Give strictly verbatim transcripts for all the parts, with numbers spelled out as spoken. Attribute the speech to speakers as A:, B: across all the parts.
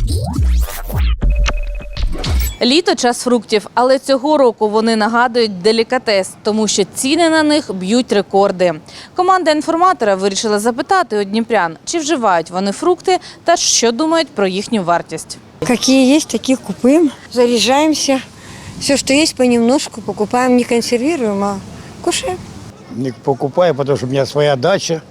A: Літо – час фруктів, але цього року вони нагадують делікатес, тому що ціни на них б'ють рекорди. Команда інформатора вирішила запитати у дніпрян, чи вживають вони фрукти та що думають про їхню вартість.
B: Какие есть, таких купуем, заряжаемся. Все, что есть, понемножку покупаем, не консервируем, а кушаем.
C: Не покупаю, потому что у меня своя дача,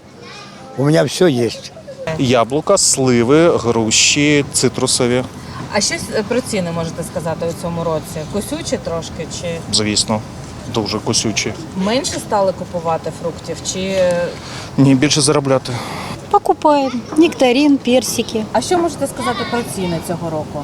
C: у меня все есть.
D: Яблука, сливи, груші, цитрусові,
A: А щось про ціни можете сказати у цьому році? Кусючі трошки чи
D: звісно, дуже кусючі.
A: менше стали купувати фруктів? Чи
D: Ні, більше заробляти.
E: Покупаем. Нектарин, персики.
A: а що можете сказати про ціни цього року?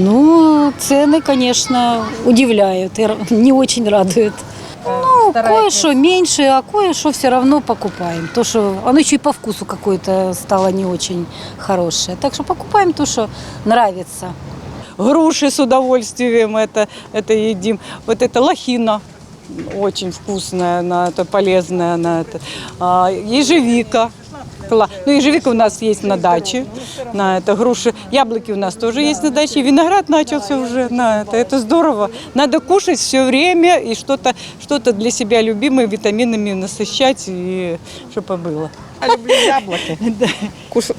E: Ну, цены, конечно, удивляют и р- не очень радуют. Ну, кое-что меньше, а кое-что все равно покупаем. То, что оно еще и по вкусу какое-то стало не очень хорошее. Так что покупаем то, что нравится.
F: Груши с удовольствием это, это едим. Вот это лохина очень вкусная, она это полезная, она это. А, ежевика. Кла- Ну, ежевика у нас есть на даче, на это груши. Яблоки у нас тоже есть на даче. И виноград начался уже на это. Это здорово. Надо кушать все время и что-то что-то для себя любимое витаминами насыщать, и чтобы было.
G: Я люблю яблуки. Куш...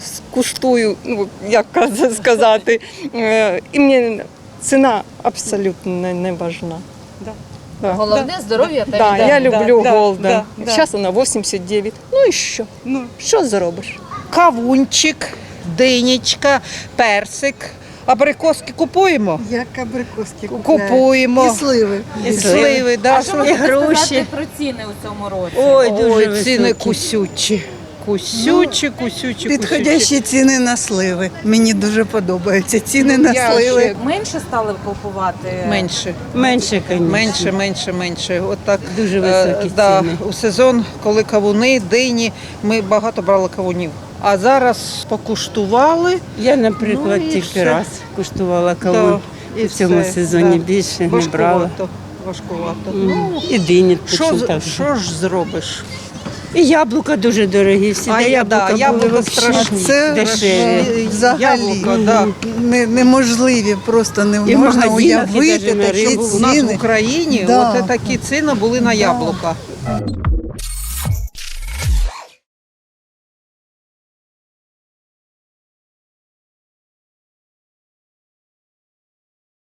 G: Куштую, ну, як сказати. Е, І мені ціна абсолютно не, не важна. Да. Да.
A: Головне здоров'я та
G: Да,
A: їда.
G: я люблю
F: да,
G: голден.
F: да, да.
G: Зараз вона вісімдесят дев'ять. Ну і що?
F: Ну,
G: Що зробиш?
H: Кавунчик, динічка, персик. Абрикоски купуємо?
B: Як абрикоски
H: Купуємо.
B: сливи.
H: І сливи, да.
A: А що можете сказати про ціни у цьому році?
H: Ой, Ой ціни кусючі. Кусючі, кусючі,
I: Підходящі ціни на сливи. Мені дуже подобаються ціни на
H: Я
I: сливи.
H: ще
A: Менше стали купувати?
H: Менше.
E: Меньше, конечно.
H: Менше, менше, менше. От так,
E: Дуже
H: е,
E: високі
H: да,
E: ціни.
H: у сезон, коли кавуни, дині, ми багато брали кавунів. А зараз покуштували.
J: Я, наприклад,
H: Ну, і
J: тільки
H: все.
J: раз куштувала кавун.
H: Да, і
J: в цьому
H: все,
J: сезоні
H: да.
J: більше не брала.
H: Важкувато. Важкувато.
J: Ну, і дині
H: Що,
J: точно
H: з-
J: так же.
H: що ж зробиш?
J: І яблука дуже дорогі. Всі
H: А
J: де
H: я- да,
J: яблука
H: яблука
J: були
H: страшні.
I: Це
J: дешеві.
I: взагалі
H: Яблука, да.
I: не, неможливі, просто не
J: І в
I: можна
J: магазинах, і
I: уявити
J: навіть на
I: такі
J: ринку.
H: У нас в
I: ціни.
H: Україні
I: Да.
H: от такі ціни були на яблука.